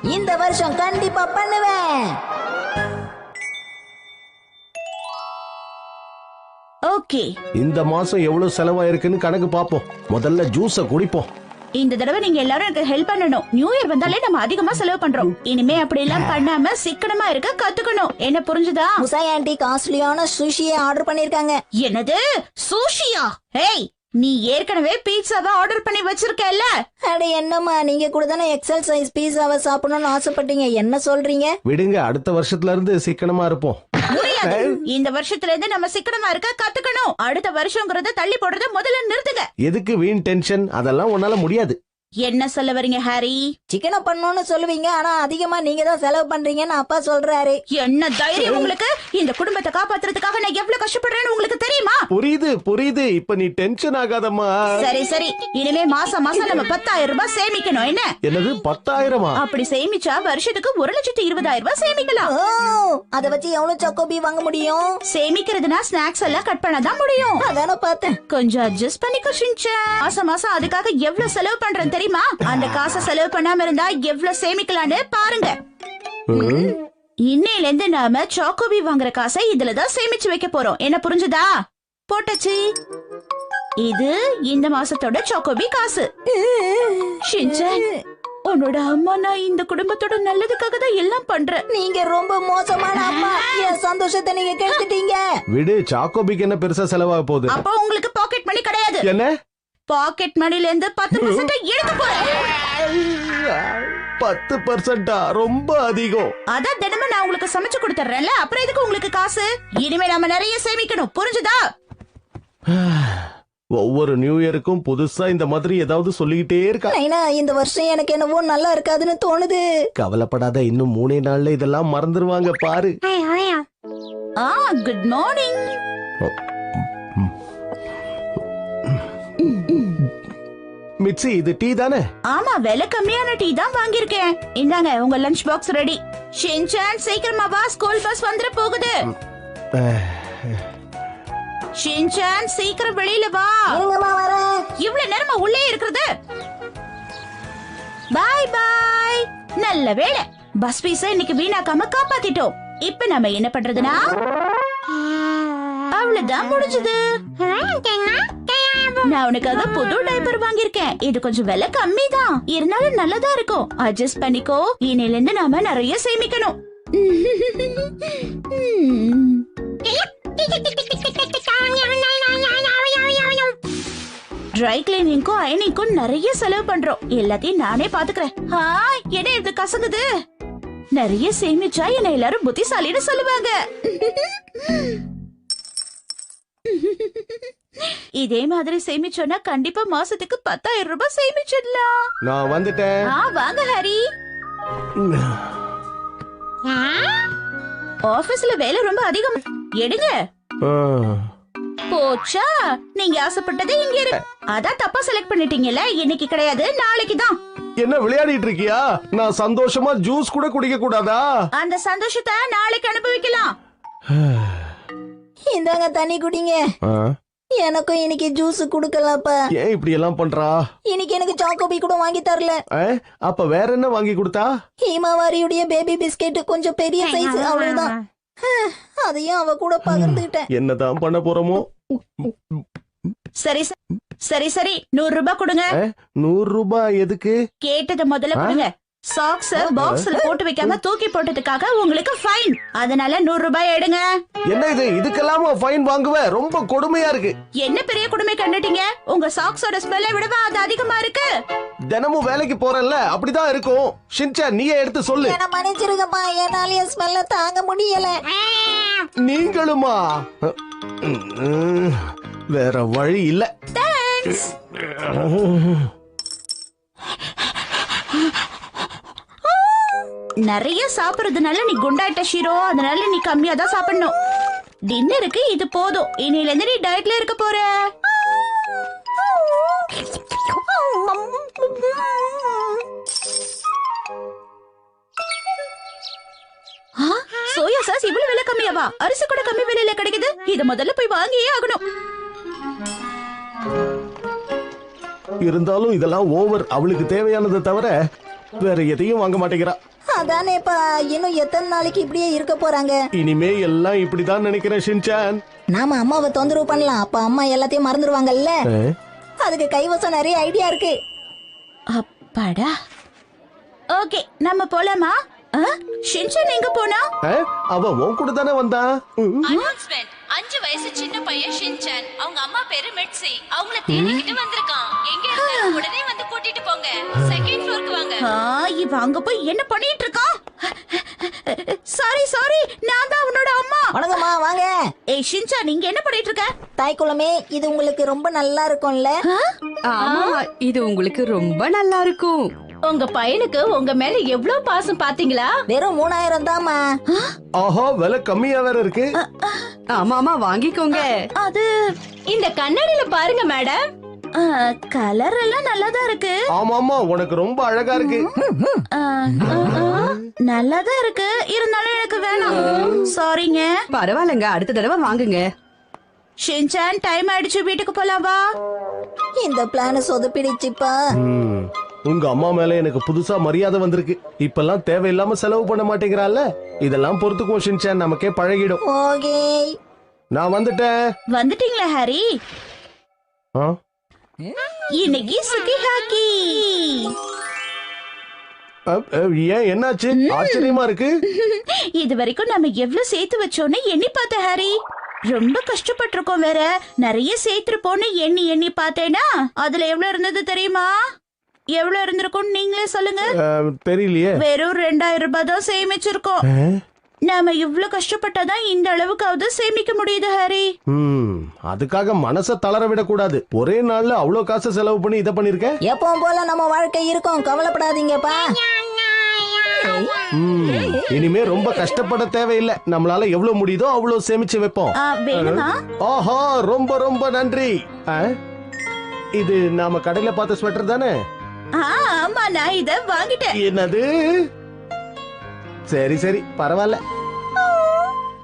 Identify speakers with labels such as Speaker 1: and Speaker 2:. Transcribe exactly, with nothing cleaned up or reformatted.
Speaker 1: இந்த வருஷம் கண்டிப்பா பண்ணுவேன்.
Speaker 2: ஓகே,
Speaker 3: இந்த மாசம் எவ்வளவு செலவாயிருக்குன்னு கணக்கு பாப்போம். முதல்ல ஜூஸ குடிப்போம்.
Speaker 2: இந்த தடவை நீங்க எல்லாரும் எனக்கு ஹெல்ப் பண்ணணும். நியூ இயர் வந்தாலே நம்ம அதிகமா செலவு பண்றோம். இனிமே அப்படி எல்லாம் பண்ணாம சிக்கனமா இருக்க கத்துக்கணும். என்ன புரிஞ்சுதா?
Speaker 1: முசாய் ஆண்டி காஸ்ட்லியான சுஷியை ஆர்டர் பண்ணிருக்காங்க.
Speaker 2: என்னது சுஷியா? ஏய், நீ ஏற்கனவே பீட்சாவை ஆர்டர் பண்ணி வச்சிருக்கல.
Speaker 1: அட என்னம்மா, நீங்க கூட தானே எக்ஸல் சைஸ் பீஸாவை சாப்பிடணும்னு ஆசைப்பட்டீங்க. என்ன சொல்றீங்க?
Speaker 3: விடுங்க, அடுத்த வருஷத்துல இருந்து சிக்கனமா இருப்போம்.
Speaker 2: முடியாது. இந்த வருஷத்துல இருந்து நம்ம சிக்கனமா இருக்க கத்துக்கணும். அடுத்த வருஷம்ங்கறத தள்ளி போடுறத முதல்ல நிறுத்துங்க.
Speaker 3: எதுக்கு வீண் டென்ஷன்? அதெல்லாம் உன்னால முடியாது.
Speaker 2: என்ன சொல்ல வரீங்க ஹாரி?
Speaker 1: சிக்கனை பண்ணணும்னு சொல்லுவீங்க, ஆனா அதிகமா நீங்க தான் செலவு பண்றீங்கன்னு அப்பா சொல்றாரு.
Speaker 2: என்ன தைரியம் உங்களுக்கு? இந்த குடும்பத்தை காப்பாத்துறதுக்காக நான் எவ்வளவு கஷ்டப்படுறேன்னு உங்களுக்கு தெரியுமா?
Speaker 3: புரியுது புரியுது. இப்ப நீ டென்ஷன் ஆகாதம்மா.
Speaker 2: சரி சரி, இனிமே மாசம் மாசம் நம்ம பத்தாயிரம் ரூபாய் சேமிக்கணும். என்ன?
Speaker 3: என்னது பத்தாயிரமா?
Speaker 2: அப்படி சேமிச்சா வருஷத்துக்கு ஒரு லட்சத்து இருபதாயிரம் ரூபாய் சேமிக்கலாம்.
Speaker 1: ஓ, அத வச்சு எவ்வளவு சாக்கோபி வாங்க முடியும்?
Speaker 2: சேமிக்கிறதுனா ஸ்நாக்ஸ் எல்லாம் கட் பண்ணதான் முடியும்.
Speaker 1: அதான பார்த்தேன்.
Speaker 2: கொஞ்சம் அட்ஜஸ்ட் பண்ணிக்கோ ஷின்சான். மாசம் மாசம் அதுக்காக எவ்வளவு செலவு பண்றேன் தெரியுமா? அந்த காசை செலவு பண்ணாம இருந்தா எவ்வளவு சேமிக்கலான்னு பாருங்க. இன்னையில இருந்து நாம சாக்கோபி வாங்குற காசை இதுலதான் சேமிச்சு வைக்க போறோம். என்ன புரிஞ்சுதா? போட்டச்சு. இது இந்த மாசத்தோட சாக்கோபி காசு. ஷின்சான், உன்னோட அம்மா நான் இந்த குடும்பத்தோட நல்லதுக்காக தான் எல்லாம் பண்றேன்.
Speaker 1: நீங்க ரொம்ப மோசமான அம்மா. என் சந்தோஷத்தை நீங்க கெடுத்துட்டீங்க.
Speaker 3: விடு, சாக்கோபிக்கு என்ன பெருசா செலவாக போகுது?
Speaker 2: அப்போ உங்களுக்கு பாக்கெட் மணி கிடையாது.
Speaker 3: என்ன?
Speaker 2: பாக்கெட் மணில இருந்து பத்து பர்சன்ட் எடுக்க போறேன்.
Speaker 3: பத்து பர்சன்டா? ரொம்ப அதிகம்.
Speaker 2: அதான் தினமும் நான் உங்களுக்கு சமைச்சு கொடுத்துறேன்ல, அப்புறம் எதுக்கு உங்களுக்கு காசு? இனிமே நாம நிறைய சேமிக்கணும். புரிஞ்சுதா?
Speaker 3: ஒவ்வொரு நியூ இயருக்கும் புதுசா இந்த மாதிரி ஏதாவது சொல்லிக்கிட்டே இருக்கா.
Speaker 1: நைனா, இந்த வருஷம் எனக்கு என்னவோ நல்லா இருக்காதுன்னு தோணுது.
Speaker 3: கவலைப்படாத, இன்னும் மூணே நாள்ல இதெல்லாம் மறந்துருவாங்க பாரு.
Speaker 2: ஆ, குட் மார்னிங்.
Speaker 3: மிச்சி, இது டீ தானே?
Speaker 2: ஆமா, விலை கம்மியான டீ தான் வாங்கியிருக்கேன். இந்தாங்க உங்க லஞ்ச் பாக்ஸ் ரெடி. ஷின்சான் சீக்கிரமா வா, ஸ்கூல் பஸ் வந்துட போகுது. ஷின்சான் சீக்கிரம் வெளியில வா. இவ்வளவு நேரமா உள்ளே இருக்கிறது. பாய் பாய். நல்ல வேளை, பஸ் பீஸ இன்னைக்கு வீணாக்காம காப்பாத்திட்டோம். இப்ப நம்ம என்ன பண்றதுன்னா, அவ்வளவுதான் முடிஞ்சது. நான் உனக்காக புது டைப்பர் வாங்கியிருக்கேன். இது கொஞ்சம் விலை கம்மி தான், இருந்தாலும் நல்லதா இருக்கும். அட்ஜஸ்ட் பண்ணிக்கோ. இனில இருந்து நாம நிறைய சேமிக்கணும். ட்ரை கிளீனிங்க்கும் அயனிங்க்கும் நிறைய செலவு பண்றோம். எல்லாத்தையும் நானே பாத்துக்கிறேன். என்ன இது கசங்குது? நிறைய சேமிச்சா என்ன எல்லாரும் புத்திசாலின்னு சொல்லுவாங்க. இதே மாதிரி சேமிச்சோன்னா கண்டிப்பா மாசத்துக்கு பத்தாயிரம் ரூபாய் சேமிச்சிடலாம்.
Speaker 3: நான் வந்துட்டேன்.
Speaker 2: வாங்க ஹரி. ஆபீஸ்ல வேலை ரொம்ப அதிகம். எடுங்க. போச்சா, நீங்க ஆசைப்பட்டது இங்க இருக்கு. அதான் தப்பா செலக்ட் பண்ணிட்டீங்கல்ல. இன்னைக்கு கிடையாது, நாளைக்கு தான்.
Speaker 3: என்ன விளையாடிட்டு இருக்கியா? நான் சந்தோஷமா ஜூஸ் கூட குடிக்க கூடாதா?
Speaker 2: அந்த சந்தோஷத்தை நாளைக்கு அனுபவிக்கலாம்.
Speaker 1: இந்தாங்க தண்ணி குடிங்க. எனக்கும் இன்னைக்கு ஜூஸ் குடுக்கலப்பா.
Speaker 3: ஏன் இப்படி எல்லாம் பண்றா?
Speaker 1: இன்னைக்கு எனக்கு சாக்கோபி கூட வாங்கி தரல.
Speaker 3: அப்ப வேற என்ன வாங்கி கொடுத்தா?
Speaker 1: ஹீமாவாரியுடைய பேபி பிஸ்கெட், கொஞ்சம் பெரிய சைஸ், அவ்வளவுதான். அதையும் அவ கூட பகிர்ந்துட்டேன்.
Speaker 3: என்னதான் பண்ண போறோமோ?
Speaker 2: சரி சரி சரி, நூறு ரூபாய் கொடுங்க.
Speaker 3: நூறு ரூபாய் எதுக்கு?
Speaker 2: கேட்டது முதல்ல கொடுங்க. சாக்ஸ் பாக்ஸ்ல போட்டு வைக்காம தூக்கி போட்டதுக்காக உங்களுக்கு ஃபைன். அதனால நூறு ரூபாய் எடுங்க.
Speaker 3: என்ன இது? இதுக்கெல்லாம் ஃபைன் வாங்குவே? ரொம்ப கொடுமையா இருக்கு.
Speaker 2: என்ன பெரிய கொடுமை கண்டுட்டீங்க? உங்க சாக்ஸோட ஸ்மெல்லை விடவா அது அதிகமா இருக்கு?
Speaker 3: தினமும் வேலைக்கு போறேன்ல, அப்படிதான் இருக்கும். ஷின்சான், நீயே எடுத்து சொல்லு.
Speaker 1: என்ன மன்னிச்சிருங்கப்பா, என்னால ஸ்மெல்ல தாங்க முடியல.
Speaker 3: நீங்களுமா? வேற வழி இல்ல.
Speaker 2: தேங்க்ஸ். நிறைய சாப்பிடுறதுனால நீ குண்டாயிட்ட ஷீரோ. அதனால நீ கம்மியா தான் சாப்பிடணும். டின்னருக்கு இது போதும். இனில இருந்து நீ டயட்ல இருக்க போற. சோயா சாஸ் இவ்வளவு விலை கம்மியாவா? அரிசி கூட கம்மி விலையில கிடைக்குது. இத முதல்ல போய் வாங்கியே ஆகணும்.
Speaker 3: இருந்தாலும் இதெல்லாம் ஓவர். அவளுக்கு தேவையானதை தவிர வேற எதையும் வாங்க மாட்டேங்கிறா.
Speaker 1: அதானேப்பா, இன்னும் எத்தனை நாளைக்கு இப்படியே இருக்க போறாங்க?
Speaker 3: இனிமே எல்லாம் இப்படிதான் நினைக்கிறேன் ஷின்சான்.
Speaker 1: நாம அம்மாவை தொந்தரவு பண்ணலாம், அப்ப அம்மா எல்லாத்தையும் மறந்துடுவாங்கல்ல.
Speaker 3: ஆ?
Speaker 1: அதுக்கு கைவசம் நிறைய ஐடியா இருக்கு.
Speaker 2: அப்பாடா. ஓகே, நம்ம போலாமா? ஆ? ஷின்சான் எங்க போனா?
Speaker 3: ஆ? அவ உன் கூட தானே வந்தா. ம்.
Speaker 4: அனௌன்ஸ்மெண்ட். அஞ்சு வயசு சின்ன பையன் ஷின்சான், அவங்க அம்மா பேரு மெட்சி, அவங்கள தேடிக்கிட்டு வந்திருக்கான். எங்க இருந்தாலும் உடனே வந்து கூட்டிட்டு போங்க. செகண்ட் ஃப்ளோருக்கு வாங்க.
Speaker 2: ஆ, இவ அங்க போய் என்ன பண்ணிட்டு இருக்கான்? சாரி சாரி, நான் தான் உன்னோட அம்மா.
Speaker 1: வணக்கம்மா, வாங்க.
Speaker 2: ஏய் ஷின்சான், நீங்க என்ன பண்ணிட்டு இருக்க?
Speaker 1: தாய்க்குளமே, இது உங்களுக்கு ரொம்ப நல்லா இருக்கும்ல?
Speaker 5: ஆமா, இது உங்களுக்கு ரொம்ப நல்லா இருக்கும்.
Speaker 4: உங்க பையனுக்கு உங்க மேல எவ்வளவு பாசம் பாத்தீங்களா?
Speaker 1: வெறும் மூணாயிரம் தாம்மா.
Speaker 3: ஆஹா, விலை கம்மியா வேற இருக்கு.
Speaker 5: ஆமா ஆமா, வாங்கிக்கோங்க.
Speaker 2: அது
Speaker 4: இந்த கண்ணாடியில பாருங்க மேடம்.
Speaker 2: கலர் எல்லாம் நல்லாதான் இருக்கு.
Speaker 3: ஆமாமா, உனக்கு ரொம்ப அழகா இருக்கு.
Speaker 2: ஆ, ஆ, ஆ, நல்லாதான் இருக்கு, இருந்தாலும் எனக்கு வேணாம். சாரிங்க.
Speaker 5: பரவாயில்லங்க, அடுத்த தடவை வாங்குங்க.
Speaker 2: ஷின்சான், டைம் ஆயிடுச்சு, வீட்டுக்கு போலாம் வா.
Speaker 1: இந்த பிளான் சொதப்பிடுச்சுப்பா.
Speaker 3: ம். உங்க அம்மா மேல எனக்கு புதுசா மரியாதை வந்திருக்கு. இப்பெல்லாம் தேவையில்லாம செலவு பண்ண மாட்டேங்கிறாள்ல. இதெல்லாம் பொறுத்துக்கும் ஷின்சான், நமக்கே பழகிடும்.
Speaker 1: ஓகே.
Speaker 3: நான் வந்துட்டேன்.
Speaker 2: வந்துட்டீங்களா ஹாரி?
Speaker 3: ஆ?
Speaker 2: இன்னைக்கு சுகி ஹாக்கி.
Speaker 3: அ, அ, ஏன் என்னாச்சு? ஆச்சரியமா இருக்கு.
Speaker 2: இது வரைக்கும் நம்ம எவ்வளவு சேர்த்து வச்சோன்னு எண்ணி பார்த்த ஹாரி. ரொம்ப கஷ்டப்பட்டிருக்கோம் வேற. நிறைய சேர்த்திருப்போன்னு எண்ணி எண்ணி பார்த்தேனா அதுல எவ்வளவு இருந்தது தெரியுமா? எவ்வளவு இருந்திருக்கும் நீங்களே சொல்லுங்க.
Speaker 3: அ, தெரியலையே.
Speaker 2: வெறும் ரெண்டாயிரம் ரூபாய் தான் சேமிச்சிருக்கோம்.
Speaker 3: ஆ?
Speaker 2: நாம இவ்வளவு கஷ்டப்பட்டாதான் இந்த அளவுக்காவது சேமிக்க முடியுது ஹாரி.
Speaker 3: ம், அதுக்காக மனச தளர விடக்கூடாது. ஒரே நாள்ல அவ்வளவு காசு செலவு பண்ணி இதை பண்ணிருக்க.
Speaker 1: எப்பவும் போல நம்ம வாழ்க்கை இருக்கும், கவலைப்படாதீங்கப்பா.
Speaker 3: ம், இனிமே ரொம்ப கஷ்டப்பட தேவையில்லை. நம்மளால எவ்வளவு முடியுதோ அவ்வளவு சேமிச்சு வைப்போம்.
Speaker 2: ஆ, வேணுமா?
Speaker 3: ஆஹா, ரொம்ப ரொம்ப நன்றி. ஆ? இது நாம கடையில பார்த்த ஸ்வெட்டர் தானே?
Speaker 2: ஆ, ஆமா, நான் இத வாங்கிட்டேன்.
Speaker 3: என்னது? சரி சரி, பரவாயில்ல.